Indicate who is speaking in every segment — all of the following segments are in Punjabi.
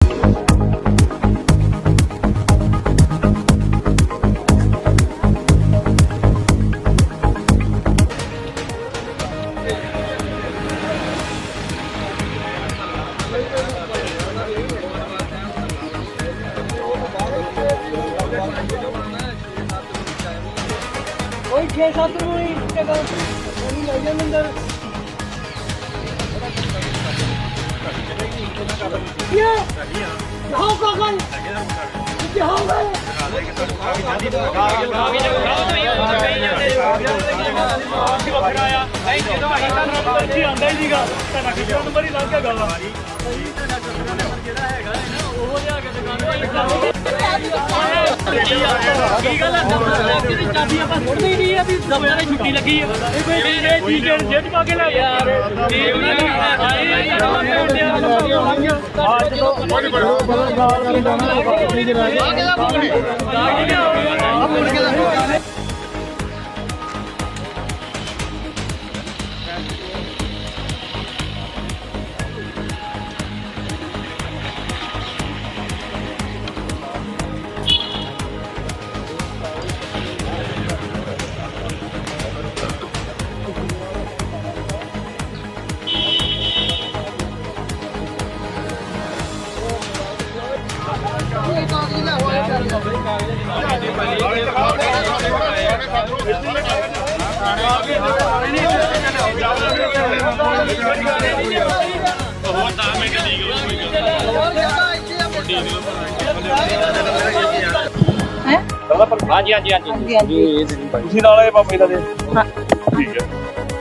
Speaker 1: कोई 6-7 ਨੂੰ ਹੀ ਜਗ੍ਹਾ ਉਹਨੂੰ ਲੈ ਜਾਂਦੇ ਅੰਦਰ क्या हो कागल क्या हो गए छुट्टी लगी हाँ जी हाँ जी हाँ जी उसी नाल है बाबा जी दा ठीक है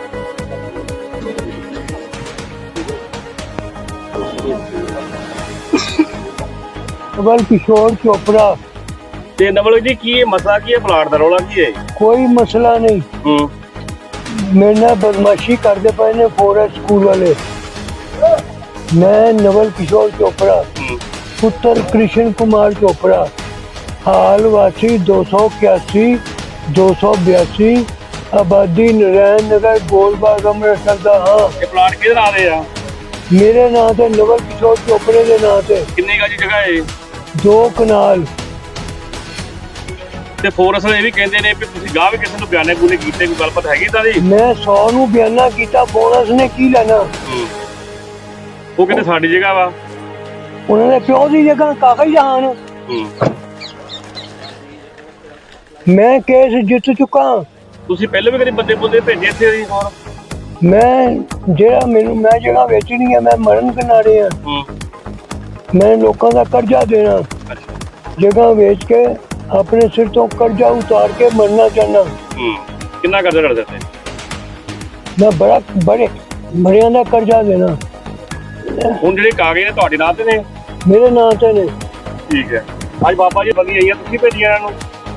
Speaker 2: नवल किशोर चोपड़ा
Speaker 1: ते नवल जी की मसला की है प्लाट दा रौला की है
Speaker 2: कोई मसला नहीं मेरे नाल बदमाशी करते पे ने फॉरेस्ट स्कूल वाले मैं नवल किशोर चोपड़ा पुत्र कृष्ण कुमार चोपड़ा हाल वासी 281 282 आबादी नारायण नगर गोलबाग अमृतसर दा हाँ
Speaker 1: ये प्लाट किधर आ रहे हैं
Speaker 2: मेरे नाम से नवल किशोर चोपड़े के नाम से
Speaker 1: कितनी गज जगह है
Speaker 2: 2 कनाल
Speaker 1: ਤੇ ਫੋਰਸ ਵਾਲੇ ਇਹ ਵੀ ਕਹਿੰਦੇ ਨੇ ਵੀ ਤੁਸੀਂ ਗਾਹ ਵੀ ਕਿਸੇ ਨੂੰ ਬਿਆਨੇ ਬੂਨੇ ਕੀਤੇ ਕੋਈ ਗੱਲਬਾਤ ਹੈਗੀ ਤਾਂ ਦੀ
Speaker 2: मैं 100 ਨੂੰ ਬਿਆਨਾ ਕੀਤਾ ਬੋਨਸ ਨੇ ਕੀ ਲੈਣਾ
Speaker 1: ਉਹ ਕਹਿੰਦੇ ਸਾਡੀ ਜਗ੍ਹਾ ਵਾ
Speaker 2: ਉਹਨਾਂ ਦੇ ਪਿਓ ਦੀ ਜਗ੍ਹਾ ਕਾਗਜ਼ ਜਹਾਨ ਮੈਂ ਕੇਸ ਜਿੱਤ ਚੁੱਕਾ
Speaker 1: ਤੁਸੀਂ ਪਹਿਲਾਂ ਵੀ ਕਦੇ ਬੰਦੇ ਬੁੰਦੇ ਭੇਜੇ ਇੱਥੇ ਦੀ ਹੋਰ
Speaker 2: ਮੈਂ ਜਿਹੜਾ ਮੈਨੂੰ ਮੈਂ ਜਗ੍ਹਾ ਵੇਚਣੀ ਹੈ ਮੈਂ ਮਰਨ ਕਿਨਾਰੇ ਆ ਮੈਂ ਲੋਕਾਂ ਦਾ ਕਰਜ਼ਾ ਦੇਣਾ ਜਗ੍ਹਾ ਵੇਚ ਕੇ ਆਪਣੇ ਸਿਰ ਤੋਂ ਕਰਜ਼ਾ ਉਤਾਰ ਕੇ ਮਰਨਾ ਚਾਹਨਾ
Speaker 1: ਕਿੰਨਾ ਕਰਜ਼ਾ ਕਰ ਦਿੱਤੇ
Speaker 2: ਮੈਂ ਬੜਿਆਂ ਦਾ ਕਰਜ਼ਾ ਦੇਣਾ
Speaker 1: ਹੁਣ ਜਿਹੜੇ ਕਾਗਜ਼ ਨੇ ਤੁਹਾਡੇ ਨਾਂ ਤੇ ਨੇ
Speaker 2: ਮੇਰੇ ਨਾਂ ਤੇ ਨੇ
Speaker 1: ਠੀਕ ਹੈ ਅੱਜ ਬਾਬਾ ਜੀ ਬੰਦੀ ਆਈ ਆ ਤੁਸੀਂ ਭੇਜੀਆਂ ਇਹਨਾਂ ਨੂੰ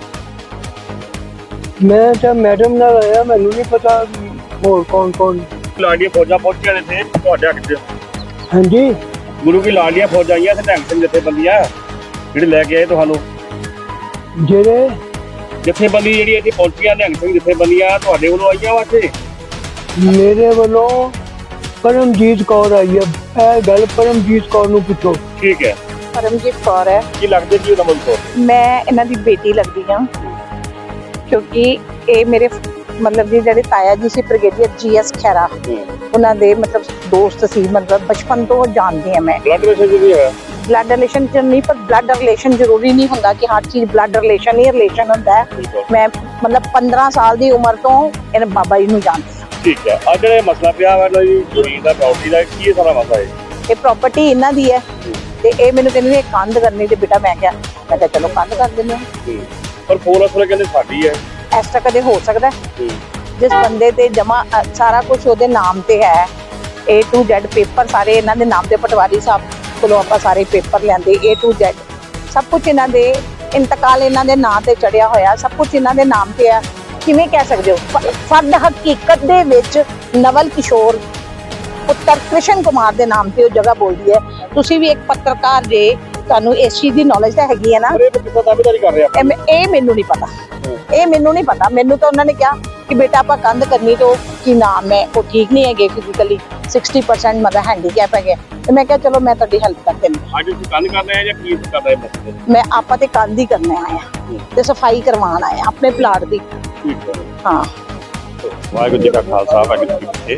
Speaker 2: ਮੈਂ ਤਾਂ ਮੈਡਮ ਨਾਲ ਆਇਆ ਮੈਨੂੰ ਨਹੀਂ ਪਤਾ ਹੋਰ ਕੌਣ
Speaker 1: ਲਾਡੀਆਂ ਫੌਜਾਂ ਪਹੁੰਚੀਆਂ ਨੇ ਇੱਥੇ ਤੁਹਾਡੇ ਹੱਕ 'ਚ
Speaker 2: ਹਾਂਜੀ
Speaker 1: ਗੁਰੂ ਕੀ ਲਾਡੀਆਂ ਫੌਜਾਂ ਆਈਆਂ ਤੇ ਢੰਗ ਸਿੰਘ ਜਥੇਬੰਦੀਆਂ ਜਿਹੜੇ ਲੈ ਕੇ ਆਏ ਤੁਹਾਨੂੰ
Speaker 2: ਜਿਹੜੇ
Speaker 1: ਜਥੇਬੰਦੀ ਜਿਹੜੀ ਇੱਥੇ ਪਹੁੰਚੀਆਂ ਨਿਹੰਗ ਸਿੰਘ ਜਥੇਬੰਦੀਆਂ ਤੁਹਾਡੇ ਵੱਲੋਂ ਆਈਆਂ ਵਾ ਇੱਥੇ
Speaker 2: ਮੇਰੇ ਵੱਲੋਂ ਪਰਮਜੀਤ ਕੌਰ ਆਈ ਹੈ ਇਹ ਗੱਲ ਪਰਮਜੀਤ ਕੌਰ ਨੂੰ ਪੁੱਛੋ
Speaker 1: ਠੀਕ ਹੈ
Speaker 3: ਪਰਮਜੀਤ ਕੌਰ ਹੈ
Speaker 1: ਕੀ ਲੱਗਦੇ ਕੀ ਉਹਦਾ ਮੁੰਡਾ
Speaker 3: ਮੈਂ ਇਹਨਾਂ ਦੀ ਬੇਟੀ ਲੱਗਦੀ ਹਾਂ ਕਿਉਂਕਿ ਇਹ ਮੇਰੇ ਮਤਲਬ ਜੀ ਜਿਹੜੇ ਤਾਇਆ ਜੀ ਸੀ ਬ੍ਰਿਗੇਡੀਅਰ GS ਖੈਰਾ ਉਹਨਾਂ ਦੇ ਮਤਲਬ ਦੋਸਤ ਸੀ ਮਤਲਬ ਬਚਪਨ ਤੋਂ ਜਾਣਦੀ ਹਾਂ ਮੈਂ
Speaker 1: ਬਲੱਡ ਪ੍ਰੈਸ਼ਰ ਵੀ ਹੈ
Speaker 3: ਬਲੱਡ ਰਿਲੇਸ਼ਨ ਚ ਨਹੀਂ ਪਰ ਬਲੱਡ ਰਿਲੇਸ਼ਨ ਜ਼ਰੂਰੀ ਨਹੀਂ ਹੁੰਦਾ ਕਿ ਹਰ ਚੀਜ਼ ਬਲੱਡ ਰਿਲੇਸ਼ਨ ਹੀ ਰਿਲੇਸ਼ਨ ਹੁੰਦਾ ਹੈ ਮੈਂ ਮਤਲਬ 15 ਸਾਲ ਦੀ ਉਮਰ ਤੋਂ ਇਹਨਾਂ ਬਾਬਾ ਜੀ ਨੂੰ ਜਾਣਦੀ ਹਾਂ
Speaker 1: ਠੀਕ ਹੈ ਅੱਜ ਜਿਹੜਾ ਮਸਲਾ ਪਿਆ ਵਾ ਜੀ ਜ਼ਮੀਨ ਦਾ ਪ੍ਰਾਪਰਟੀ ਦਾ ਕੀ ਸਾਰਾ ਮਸਲਾ ਹੈ
Speaker 3: ਇਹ ਪ੍ਰਾਪਰਟੀ ਇਹਨਾਂ ਦੀ ਹੈ ਤੇ ਇਹ ਮੈਨੂੰ ਕਹਿੰਦੇ ਨੇ ਕੰਧ ਕਰਨੀ ਤੇ ਬੇਟਾ ਮੈਂ ਕਿਹਾ ਚਲੋ ਕੰਧ ਕਰ ਦਿੰਦੇ ਹਾਂ
Speaker 1: ਪਰ ਫੋਰਸ ਵਾਲੇ ਕਹਿੰਦੇ ਸਾਡੀ ਹੈ
Speaker 3: ਇਸ ਤਰ੍ਹਾਂ ਕਦੇ ਹੋ ਸਕਦਾ ਜਿਸ ਬੰਦੇ ਤੇ ਜਮਾ ਸਾਰਾ ਕੁਝ ਉਹਦੇ ਨਾਮ ਤੇ ਹੈ A to Z ਪੇਪਰ ਸਾਰੇ ਇਹਨਾਂ ਦੇ ਨਾਮ ਤੇ ਪਟਵਾਰੀ ਸਾਹਿਬ ਕੋਲੋਂ ਆਪਾਂ ਸਾਰੇ ਪੇਪਰ ਲੈਂਦੇ A to Z ਸਭ ਕੁਝ ਇਹਨਾਂ ਦੇ ਇੰਤਕਾਲ ਇਹਨਾਂ ਦੇ ਨਾਂ ਤੇ ਚੜਿਆ ਹੋਇਆ ਸਭ ਕੁਝ ਇਹਨਾਂ ਦੇ ਨਾਮ ਤੇ ਹੈ ਕਿਵੇਂ ਕਹਿ ਸਕਦੇ ਹੋ ਫਰਦ ਹਕੀਕਤ ਦੇ ਵਿੱਚ ਨਵਲ ਕਿਸ਼ੋਰ ਪੁੱਤਰ ਕ੍ਰਿਸ਼ਨ ਕੁਮਾਰ ਦੇ ਨਾਮ ਤੇ ਉਹ ਜਗ੍ਹਾ ਬੋਲਦੀ ਹੈ ਤੁਸੀਂ ਵੀ ਇੱਕ ਪੱਤਰਕਾਰ ਜੇ ਤੁਹਾਨੂੰ ਇਸ ਚੀਜ਼ ਦੀ ਨੌਲੇਜ ਤਾਂ ਹੈਗੀ ਹੈ ਨਾ
Speaker 1: ਇਹ ਕਿੱਦਾਂ ਦਾਅਵੇਦਾਰੀ ਕਰ ਰਿਹਾ
Speaker 3: ਇਹ ਮੈਨੂੰ ਨਹੀਂ ਪਤਾ ਇਹ ਮੈਨੂੰ ਨਹੀਂ ਪਤਾ ਮੈਨੂੰ ਤਾਂ ਉਹਨਾਂ ਨੇ ਕਿਹਾ ਕਿ ਬੇਟਾ ਆਪਾਂ ਕੰਧ ਕਰਨੀ ਤੋਂ ਕੀ ਨਾਮ ਹੈ ਉਹ ਠੀਕ ਨਹੀਂ ਹੈਗੇ ਫਿਜ਼ੀਕਲੀ 60% ਮਤਲਬ ਹੈਂਡੀਕੈਪ ਹੈਗੇ ਤੇ ਮੈਂ ਕਿਹਾ ਚਲੋ ਮੈਂ ਤੁਹਾਡੀ ਹੈਲਪ ਕਰ ਦਿੰਦੀ
Speaker 1: ਅੱਜ ਤੁਸੀਂ ਕੰਨ ਕਰ ਰਹੇ ਆ ਜਾਂ ਕੀ ਕਰ ਰਹੇ ਹੋ?
Speaker 3: ਮੈਂ ਆਪਾਂ ਤੇ ਕੰਧ ਹੀ ਕਰਨੇ ਆਏ ਆ ਤੇ ਸਫਾਈ ਕਰਵਾਉਣ ਆਏ ਆ ਆਪਣੇ ਪਲਾਟ ਦੀ।
Speaker 1: ਠੀਕ ਹੈ।
Speaker 3: ਹਾਂ
Speaker 4: ਵਾਹਿਗੁਰੂ ਜੀ ਕਾ ਖਾਲਸਾ ਵਾਹਿਗੁਰੂ ਜੀ ਕੀ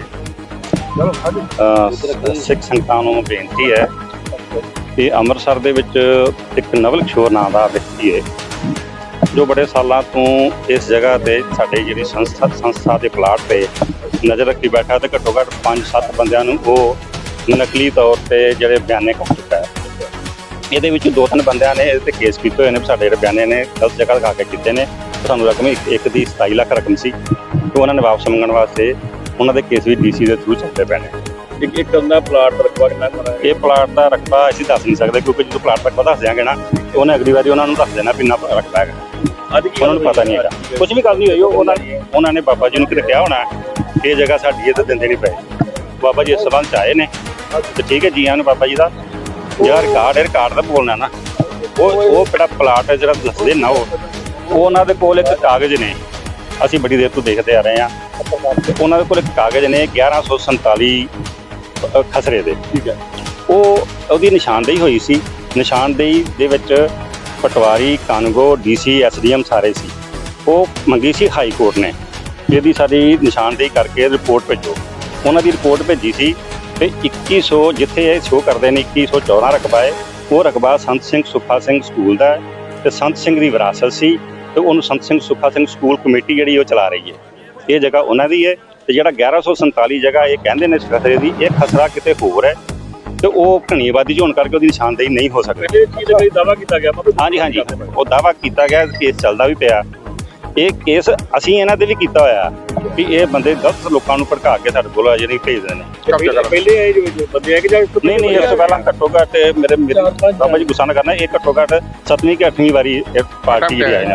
Speaker 4: ਫਤਿਹ। ਸਿੱਖ ਸੰਗਤਾਂ ਨੂੰ ਬੇਨਤੀ ਹੈ ਕਿ ਅੰਮ੍ਰਿਤਸਰ ਦੇ ਵਿੱਚ ਇੱਕ ਨਵਲ ਕਿਸ਼ੋਰ ਨਾਂ ਦਾ ਵਿਅਕਤੀ ਹੈ ਜੋ ਬੜੇ ਸਾਲਾਂ ਤੋਂ ਇਸ ਜਗ੍ਹਾ ਤੇ ਸਾਡੇ ਜਿਹੜੀ ਸੰਸਥਾ ਦੇ ਪਲਾਟ ਤੇ ਨਜ਼ਰ ਰੱਖੀ ਬੈਠਾ ਤੇ ਘੱਟੋ ਘੱਟ 5-7 ਬੰਦਿਆਂ ਨੂੰ ਉਹ ਨਕਲੀ ਤੌਰ ਤੇ ਜਿਹੜੇ ਬਿਆਨੇ ਕਰ ਚੁੱਕਾ ਹੈ। ਇਹਦੇ ਵਿੱਚ 2-3 ਬੰਦਿਆਂ ਨੇ ਇਹਦੇ ਤੇ ਕੇਸ ਕੀਤੇ ਹੋਏ ਨੇ, ਸਾਡੇ ਜਿਹੜੇ ਬਿਆਨੇ ਨੇ ਗਲਤ ਜਗ੍ਹਾ ਲਗਾ ਕੇ ਕੀਤੇ ਨੇ। ਸਾਨੂੰ ਰਕਮ ਇੱਕ ਦੀ 27 ਲੱਖ ਰਕਮ ਸੀ ਤੇ ਉਹਨਾਂ ਨੇ ਵਾਪਸ ਮੰਗਣ ਵਾਸਤੇ ਉਹਨਾਂ ਦੇ ਕੇਸ ਵੀ ਡੀਸੀ ਦੇ ਥਰੂ ਚੱਲਦੇ ਪਏ ਨੇ।
Speaker 1: ਇੱਕ ਹੁੰਦਾ ਪਲਾਟ ਦਾ ਰਕਬਾ ਕਿੰਨਾ ਹੈ?
Speaker 4: ਇਹ ਪਲਾਟ ਦਾ ਰਕਬਾ ਅਸੀਂ ਦੱਸ ਨਹੀਂ ਸਕਦੇ ਕਿਉਂਕਿ ਜਦੋਂ ਪਲਾਟ ਦਾ ਰਕਬਾ ਦੱਸ ਦਿਆਂਗੇ ਨਾ ਉਹਨੇ ਅਗਲੀ ਵਾਰੀ ਉਹਨਾਂ ਨੂੰ ਦੱਸ ਦੇਣਾ ਵੀ ਇੰਨਾ ਰਕਬਾ ਹੈਗਾ।
Speaker 1: ਅੱਜ ਕੀ
Speaker 4: ਉਹਨਾਂ ਨੂੰ ਪਤਾ ਨਹੀਂ ਹੈਗਾ, ਕੁਝ ਵੀ ਗੱਲ ਨਹੀਂ ਹੋਈ। ਉਹਨਾਂ ਨੇ ਬਾਬਾ ਜੀ ਨੂੰ ਕਿਤੇ ਕਿਹਾ ਹੋਣਾ ਇਹ ਜਗ੍ਹਾ ਸਾਡੀ ਇਹ ਤਾਂ ਦਿੰਦੇ ਨਹੀਂ ਪਏ। ਬਾਬਾ ਜੀ ਇਸ ਸੰਬੰਧ ਚ ਆਏ ਨੇ ਤੇ ਠੀਕ ਹੈ ਜੀ ਆਨ ਬਾਬਾ ਜੀ ਦਾ ਜਿਹੜਾ ਰਿਕਾਰਡ ਦਾ ਬੋਲਣਾ ਨਾ ਉਹ ਕਿਹੜਾ ਪਲਾਟ ਹੈ ਜਿਹੜਾ ਦੱਸਦੇ ਨਾ ਉਹ ਉਹਨਾਂ ਦੇ ਕੋਲ ਇੱਕ ਕਾਗਜ਼ ਨੇ, ਅਸੀਂ ਬੜੀ ਦੇਰ ਤੋਂ ਦੇਖਦੇ ਆ ਰਹੇ ਹਾਂ। ਉਹਨਾਂ ਦੇ ਕੋਲ ਇੱਕ ਕਾਗਜ਼ ਨੇ 1147 ਖਸਰੇ ਦੇ,
Speaker 1: ਠੀਕ ਹੈ।
Speaker 4: ਉਹਦੀ ਨਿਸ਼ਾਨਦੇਹੀ ਹੋਈ ਸੀ। ਨਿਸ਼ਾਨਦੇਹੀ ਦੇ ਵਿੱਚ ਪਟਵਾਰੀ, ਕਾਨੂੰਗੋ, ਡੀਸੀ, ਐਸਡੀਐਮ ਸਾਰੇ ਸੀ। ਉਹ ਮੰਗੀ ਸੀ ਹਾਈ ਕੋਰਟ ਨੇ ਇਹਦੀ ਸਾਡੀ ਨਿਸ਼ਾਨਦੇਹੀ ਕਰਕੇ ਰਿਪੋਰਟ ਭੇਜੋ। ਉਹਨਾਂ ਦੀ ਰਿਪੋਰਟ ਭੇਜੀ ਸੀ ਤੇ 2100 ਜਿੱਥੇ ਇਹ ਸ਼ੋਅ ਕਰਦੇ ਨੇ 2114 ਰਕਬਾ ਹੈ, ਉਹ ਰਕਬਾ ਸੰਤ ਸਿੰਘ ਸੁੱਖਾ ਸਿੰਘ ਸਕੂਲ ਦਾ ਹੈ ਤੇ ਸੰਤ ਸਿੰਘ ਦੀ ਵਿਰਾਸਤ ਸੀ ਤੇ ਉਹਨੂੰ ਸੰਤ ਸਿੰਘ ਸੁੱਖਾ ਸਿੰਘ ਸਕੂਲ ਕਮੇਟੀ ਜਿਹੜੀ ਉਹ ਚਲਾ ਰਹੀ ਹੈ। ਇਹ ਜਗ੍ਹਾ ਉਹਨਾਂ ਦੀ ਹੈ ਤੇ ਜਿਹੜਾ 1147 ਜਗ੍ਹਾ ਇਹ ਕਹਿੰਦੇ ਨੇ ਖਸਰੇ ਦੀ, ਇਹ ਖਸਰਾ ਕਿਤੇ ਹੋਰ ਹੈ ਤੇ ਉਹ ਘਣੀ ਆਬਾਦੀ 'ਚ ਹੋਣ ਕਰਕੇ ਉਹਦੀ ਨਿਸ਼ਾਨਦੇਹੀ ਨਹੀਂ ਹੋ ਸਕਦੀ।
Speaker 1: ਇਹ ਚੀਜ਼ ਦਾ ਦਾਅਵਾ ਕੀਤਾ ਗਿਆ
Speaker 4: ਹਾਂਜੀ ਉਹ ਦਾਅਵਾ ਕੀਤਾ ਗਿਆ, ਕੇਸ ਚੱਲਦਾ ਵੀ ਪਿਆ। ਇਹ ਕੇਸ ਅਸੀਂ ਇਹਨਾਂ ਤੇ ਵੀ ਕੀਤਾ ਹੋਇਆ ਵੀ ਇਹ ਬੰਦੇ ਗਲਤ ਲੋਕਾਂ ਨੂੰ ਭੜਕਾ ਕੇ ਸਾਡੇ ਕੋਲ ਜਿਹੜੀ ਭੇਜਦੇ ਨੇ।
Speaker 1: ਪਹਿਲੇ ਆਏ ਜੋ ਬੰਦੇ ਆ ਕਿ ਜਾਂ
Speaker 4: ਨਹੀਂ ਇਸ ਤੋਂ ਪਹਿਲਾਂ ਘੱਟੋ ਘੱਟ ਮੇਰੇ ਬਾਬਾ ਜੀ ਗੁੱਸਾ ਨਾ ਕਰਨਾ, ਇਹ ਘੱਟੋ ਘੱਟ 7ਵੀਂ ਕਿ 8ਵੀਂ ਵਾਰੀ ਇਹ ਪਾਰਟੀ ਜਿਹੜੀ ਆਈ ਨੇ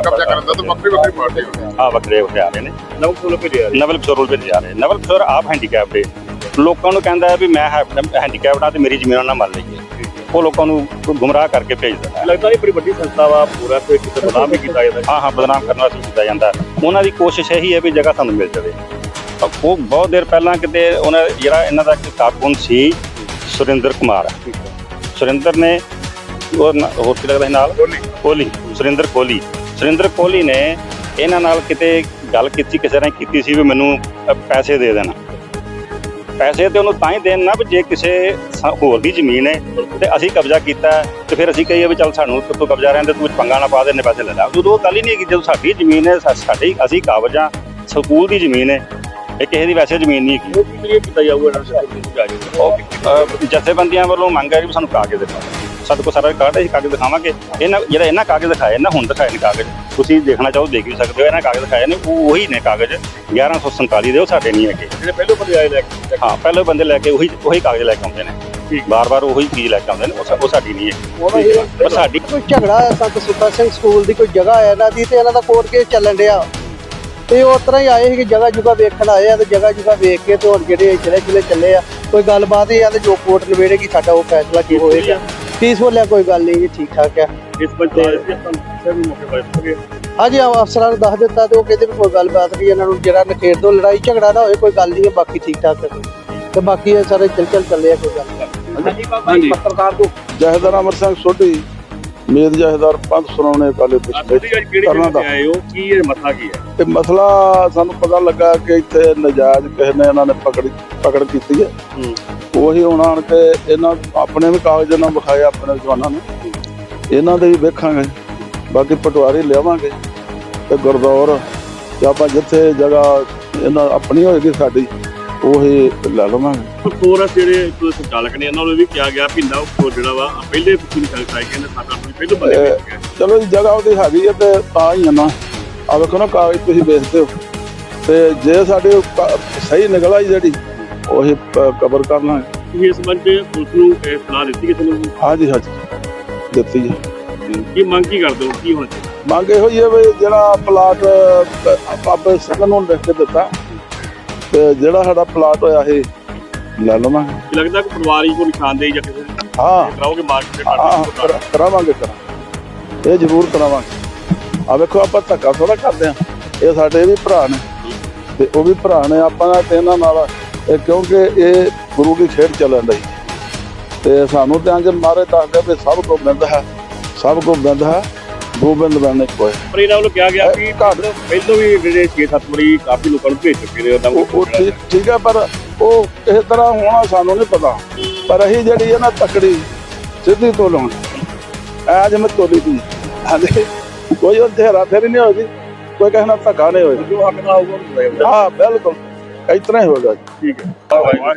Speaker 4: ਵੱਖਰੇ ਆ ਰਹੇ ਨੇ। ਨਵਲ ਕਿਸ਼ੋਰ ਭੇਜੇ ਜਾ ਰਹੇ। ਨਵਲ ਕਿਸ਼ੋਰ ਆਪ ਹੈਂਡੀਕੈਪਡ ਲੋਕਾਂ ਨੂੰ ਕਹਿੰਦਾ ਵੀ ਮੈਂ ਹੈਂਡੀਕੈਪਡ ਆ ਤੇ ਮੇਰੀ ਜ਼ਮੀਨ ਨਾ ਮੰਨ ਲਈਏ। ਉਹ ਲੋਕਾਂ ਨੂੰ ਗੁੰਮਰਾਹ ਕਰਕੇ ਭੇਜਦਾ ਹੈ।
Speaker 1: ਲੱਗਦਾ ਇਹ ਬੜੀ ਵੱਡੀ ਸੰਸਥਾ ਵਾ, ਪੂਰਾ ਕੋਈ ਕਿਤੇ ਬਦਨਾਮ ਵੀ ਕੀਤਾ ਜਾਂਦਾ।
Speaker 4: ਹਾਂ ਬਦਨਾਮ ਕਰਨ ਵਾਸਤੇ ਕੀਤਾ ਜਾਂਦਾ। ਉਹਨਾਂ ਦੀ ਕੋਸ਼ਿਸ਼ ਇਹੀ ਹੈ ਵੀ ਜਗ੍ਹਾ ਸਾਨੂੰ ਮਿਲ ਜਾਵੇ। ਉਹ ਬਹੁਤ ਦੇਰ ਪਹਿਲਾਂ ਕਿਤੇ ਉਹਨਾਂ ਜਿਹੜਾ ਇਹਨਾਂ ਦਾ ਇੱਕ ਕਾਰਕੁਨ ਸੀ ਸੁਰਿੰਦਰ ਕੁਮਾਰ, ਸੁਰਿੰਦਰ ਨੇ ਹੋਰ ਕੀ ਲੱਗਦਾ ਨਾਲ ਕੋਹਲੀ, ਸੁਰਿੰਦਰ ਕੋਹਲੀ ਨੇ ਇਹਨਾਂ ਨਾਲ ਕਿਤੇ ਗੱਲ ਕੀਤੀ, ਕਿਸੇ ਨੇ ਕੀਤੀ ਸੀ ਵੀ ਮੈਨੂੰ ਪੈਸੇ ਦੇ ਦੇਣਾ। ਪੈਸੇ ਤੇ ਉਹਨੂੰ ਤਾਂ ਹੀ ਦੇਣ ਨਾ ਵੀ ਜੇ ਕਿਸੇ ਹੋਰ ਦੀ ਜ਼ਮੀਨ ਹੈ ਤੇ ਅਸੀਂ ਕਬਜ਼ਾ ਕੀਤਾ ਤੇ ਫਿਰ ਅਸੀਂ ਕਹੀਏ ਵੀ ਚੱਲ ਸਾਨੂੰ ਤੋਂ ਕਬਜ਼ਾ ਰਹਿੰਦੇ ਤੂੰ ਪੰਗਾ ਨਾ ਪਾ ਦੇ, ਇੰਨੇ ਪੈਸੇ ਲੈ ਲੈ। ਉਦੋਂ ਉਹ ਗੱਲ ਹੀ ਨਹੀਂ ਹੈਗੀ। ਜਦੋਂ ਸਾਡੀ ਜ਼ਮੀਨ ਹੈ ਸਾਡੀ, ਅਸੀਂ ਕਾਬਜ਼ ਹਾਂ, ਸਕੂਲ ਦੀ ਜ਼ਮੀਨ ਹੈ, ਇਹ ਕਿਸੇ ਦੀ ਵੈਸੇ ਜ਼ਮੀਨ ਨਹੀਂ ਹੈਗੀ।
Speaker 1: ਉਹ ਕੀ ਕੀਤਾ ਜਾਊਗਾ?
Speaker 4: ਜਥੇਬੰਦੀਆਂ ਵੱਲੋਂ ਮੰਗ ਹੈ ਵੀ ਸਾਨੂੰ ਕਾਗਜ਼ ਦਿਖਾਓ। ਸਾਡੇ ਕੋਲ ਸਾਰਾ ਰਿਕਾਰਡ ਹੈ, ਅਸੀਂ ਕਾਗਜ਼ ਦਿਖਾਵਾਂਗੇ। ਇਹਨਾਂ ਕਾਗਜ਼ ਦਿਖਾਏ ਨਾ, ਹੁਣ ਦਿਖਾਏ ਨੇ ਕਾਗਜ਼, ਤੁਸੀਂ ਦੇਖਣਾ ਚਾਹੋ ਦੇਖ ਵੀ ਸਕਦੇ ਹੋ। ਇਹਨਾਂ ਕਾਗਜ਼ ਦਿਖਾਏ ਨੇ, ਉਹੀ ਨੇ ਕਾਗਜ਼ 1147 ਦੇ, ਉਹ ਸਾਡੇ ਨਹੀਂ ਹੈਗੇ।
Speaker 1: ਜਿਹੜੇ ਪਹਿਲੇ ਬੰਦੇ ਆਏ ਲੈ ਕੇ,
Speaker 4: ਹਾਂ ਪਹਿਲੇ ਬੰਦੇ ਲੈ ਕੇ ਉਹੀ ਕਾਗਜ਼ ਲੈ ਕੇ ਆਉਂਦੇ ਨੇ, ਬਾਰ-ਬਾਰ ਉਹੀ ਚੀਜ਼ ਲੈ ਕੇ ਆਉਂਦੇ ਨੇ। ਉਹ ਸਾਡੀ ਨਹੀਂ ਹੈ। ਪਰ ਸਾਡੀ
Speaker 2: ਕੋਈ ਝਗੜਾ ਹੈ ਸੰਤ ਸੁੱਖਾ ਸਿੰਘ ਸਕੂਲ ਦੀ ਕੋਈ ਜਗ੍ਹਾ ਹੈ ਇਹਨਾਂ ਦੀ ਤੇ ਇਹਨਾਂ ਦਾ ਕੋਰਟ ਕੇਸ ਚੱਲਣ ਡਿਆ ਤੇ ਉਸ ਤਰ੍ਹਾਂ ਹੀ ਆਏ ਸੀ ਕਿ ਜਗ੍ਹਾ ਜੁਗਾ ਵੇਖਣ ਆਏ ਆ ਤੇ ਜਗ੍ਹਾ ਜੁਗਾ ਵੇਖ ਕੇ ਤੇ ਹੁਣ ਜਿਹੜੇ ਜ਼ਿਲ੍ਹੇ ਚੱਲੇ ਆ, ਕੋਈ ਗੱਲਬਾਤ ਹੀ ਆ ਤੇ ਜੋ ਕੋਰਟ ਨਵੇੜੇਗੀ ਸਾਡਾ ਉਹ ਫੈਸਲਾ ਕੀ ਹੋਏਗਾ। ਪੀਸਫੁਲ ਹੈ, ਕੋਈ ਗੱਲ ਨਹੀਂ ਜੀ, ਠੀਕ ਠਾਕ ਹੈ।
Speaker 1: ਇਸ ਪੰਚਾਇਤ ਦੇ ਸਭ ਮੌਕੇ ਪਰ
Speaker 2: ਹਾਂਜੀ ਅਫਸਰਾਂ ਨੂੰ ਦੱਸ ਦਿੱਤਾ ਤੇ ਉਹ ਕਹਿੰਦੇ ਵੀ ਕੋਈ ਗੱਲਬਾਤ ਨਹੀਂ, ਇਹਨਾਂ ਨੂੰ ਜਿਹੜਾ ਨਖੇੜ ਤੋਂ ਲੜਾਈ ਝਗੜਾ ਨਾ ਹੋਏ, ਕੋਈ ਗੱਲ ਨਹੀਂ ਹੈ, ਬਾਕੀ ਠੀਕ ਠਾਕ ਹੈ ਤੇ ਬਾਕੀ ਇਹ ਸਾਰੇ ਚੱਲੇ ਆ, ਕੋਈ ਗੱਲ ਨਹੀਂ।
Speaker 1: ਪੱਤਰਕਾਰ ਤੋਂ
Speaker 5: ਜਹੇਦਾਰ ਅਮਰ ਸਿੰਘ ਸੋਢੀ, ਮੇਦ ਜਹੇਦਾਰ ਪੰਥ ਸੁਣਾਉਣੇ ਕਾਲੇ
Speaker 1: ਕਰਨਾ ਦਾ ਆਏ ਹੋ ਕੀ ਇਹ ਮਸਲਾ ਕੀ ਹੈ?
Speaker 5: ਇਹ ਮਸਲਾ ਸਾਨੂੰ ਪਤਾ ਲੱਗਾ ਕਿ ਇੱਥੇ ਨਜਾਇਜ਼ ਕਿਸੇ ਨੇ ਇਹਨਾਂ ਨੇ ਪਕੜ ਕੀਤੀ ਹੈ। ਉਹੀ ਹੁਣ ਆਣ ਕੇ ਇਹਨਾਂ ਆਪਣੇ ਵੀ ਕਾਗਜ਼ ਨਾਲ ਵਿਖਾਏ ਆਪਣੇ ਜਵਾਨਾਂ ਨੂੰ, ਇਹਨਾਂ ਦੇ ਵੀ ਵੇਖਾਂਗੇ। ਬਾਕੀ ਪਟਵਾਰੀ ਲਿਆਵਾਂਗੇ ਤੇ ਗੁਰਦੌਰ ਤੇ ਆਪਾਂ ਜਿੱਥੇ ਜਗ੍ਹਾ ਇਹਨਾਂ ਆਪਣੀ ਹੋਏਗੀ ਸਾਡੀ ਉਹੀ ਲੈ ਲਵਾਂਗੇ।
Speaker 1: ਫੋਰਸ ਜਿਹੜੇ ਸੰਚਾਲਕ ਨੇ ਇਹਨਾਂ ਨੂੰ ਵੀ ਕਿਹਾ ਗਿਆ ਵੀ ਨਾ ਉਹ ਜਿਹੜਾ ਵਾ ਪਹਿਲੇ ਤੁਸੀਂ ਕਹਿੰਦੇ ਕਹਿੰਦੇ ਸਾਡਾ ਪਹਿਲੇ ਬੰਦੇ
Speaker 5: ਚਲੋ ਜੀ ਜਗ੍ਹਾ ਉਹਦੀ ਹੈਗੀ ਹੈ ਤੇ ਤਾਂ ਹੀ ਆ ਨਾ। ਆ ਵੇਖੋ ਨਾ ਕਾਗਜ਼ ਤੁਸੀਂ ਵੇਖਦੇ ਹੋ ਤੇ ਜੇ ਸਾਡੇ ਸਹੀ ਨਿਕਲ ਆਈ ਜਿਹੜੀ ਉਹੀ ਕਬਰ ਕਰ ਲਾਂਗੇ।
Speaker 1: ਤੁਸੀਂ ਇਸ ਸੰਬੰਧ ਪੁਲਿਸ ਨੂੰ ਸਲਾਹ ਦਿੱਤੀ ਕਿਸੇ ਨੂੰ?
Speaker 5: ਹਾਂਜੀ ਦਿੱਤੀ ਹੈ।
Speaker 1: ਕੀ ਮੰਗ ਕੀ ਕਰਦੇ ਹੋ, ਕੀ ਹੋਣਾ ਚਾਹੀਦਾ?
Speaker 5: ਮੰਗ ਇਹੋ ਹੀ ਹੈ ਵੀ ਜਿਹੜਾ ਪਲਾਟ ਆਪੇ ਸਗਨ ਨੂੰ ਲਿਖ ਕੇ ਦਿੱਤਾ ਤੇ ਜਿਹੜਾ ਸਾਡਾ ਪਲਾਟ ਹੋਇਆ ਇਹ ਲੈ ਲਵਾਂਗੇ।
Speaker 1: ਲੱਗਦਾ ਕਿ ਪਰਿਵਾਰੀ ਕੋ ਨਿਸ਼ਾਨਦੇਹੀ ਜਾਂ ਕਿਸੇ
Speaker 5: ਹਾਂ
Speaker 1: ਕਰਾਓਗੇ ਮਾਰਕੀਟ
Speaker 5: ਕਰਾਵਾਂਗੇ ਇਹ ਜ਼ਰੂਰ ਕਰਾਵਾਂਗੇ। ਆ ਵੇਖੋ ਆਪਾਂ ਧੱਕਾ ਥੋੜਾ ਕਰਦੇ ਆ, ਇਹ ਸਾਡੇ ਵੀ ਭਰਾ ਨੇ ਤੇ ਉਹ ਵੀ ਭਰਾ ਨੇ ਆਪਾਂ ਨਾਲ ਤੇ ਇਹਨਾਂ ਨਾਲ ਕਿਉਂਕਿ ਇਹ ਗੁਰੂ ਦੀ ਖੇਡ ਚੱਲਣ ਰਹੀ ਤੇ ਸਾਨੂੰ ਤੇ ਅੰਜ ਮਾਰੇ ਦੱਸਦੇ ਵੀ ਸਭ ਕੋ ਬਿੰਦ ਹੈ, ਸਭ ਕੋ ਬਿੰਦ ਹੈ, ਗੋਬਿੰਦ ਬਣਨੇ ਕੋਏ।
Speaker 1: ਪਰ ਇਹਨਾਂ ਵੱਲੋਂ ਕਿਹਾ ਗਿਆ ਵੀ
Speaker 5: ਘੱਟ
Speaker 1: ਪਹਿਲੋਂ ਵੀ ਜਿਹੜੇ 6-7 ਵਾਰੀ ਕਾਫੀ ਲੋਕਾਂ ਨੂੰ ਭੇਜ ਚੁੱਕੇ ਨੇ ਉਹਨਾਂ
Speaker 5: ਉਹ ਠੀਕ ਹੈ, ਪਰ ਉਹ ਇਸ ਤਰ੍ਹਾਂ ਹੋਣਾ ਸਾਨੂੰ ਨਹੀਂ ਪਤਾ। ਪਰ ਅਸੀਂ ਜਿਹੜੀ ਹੈ ਨਾ ਤਕੜੀ ਸਿੱਧੀ ਤੋਲਣ ਐ ਜਿਵੇਂ ਤੋਲੀ ਦੀ ਹਾਂਜੀ, ਕੋਈ ਉਹ ਹੇਰਾ ਫੇਰੀ ਨਹੀਂ ਹੋਈ, ਕੋਈ ਕਿਸੇ ਨਾਲ ਧੱਕਾ ਨਹੀਂ ਹੋਇਆ।
Speaker 1: ਜੋ ਹੱਕ ਨਾਲ ਆਊਗਾ
Speaker 5: ਹਾਂ ਬਿਲਕੁਲ ਇਸ ਤਰ੍ਹਾਂ ਹੀ ਹੋਏਗਾ।
Speaker 1: ਠੀਕ ਹੈ।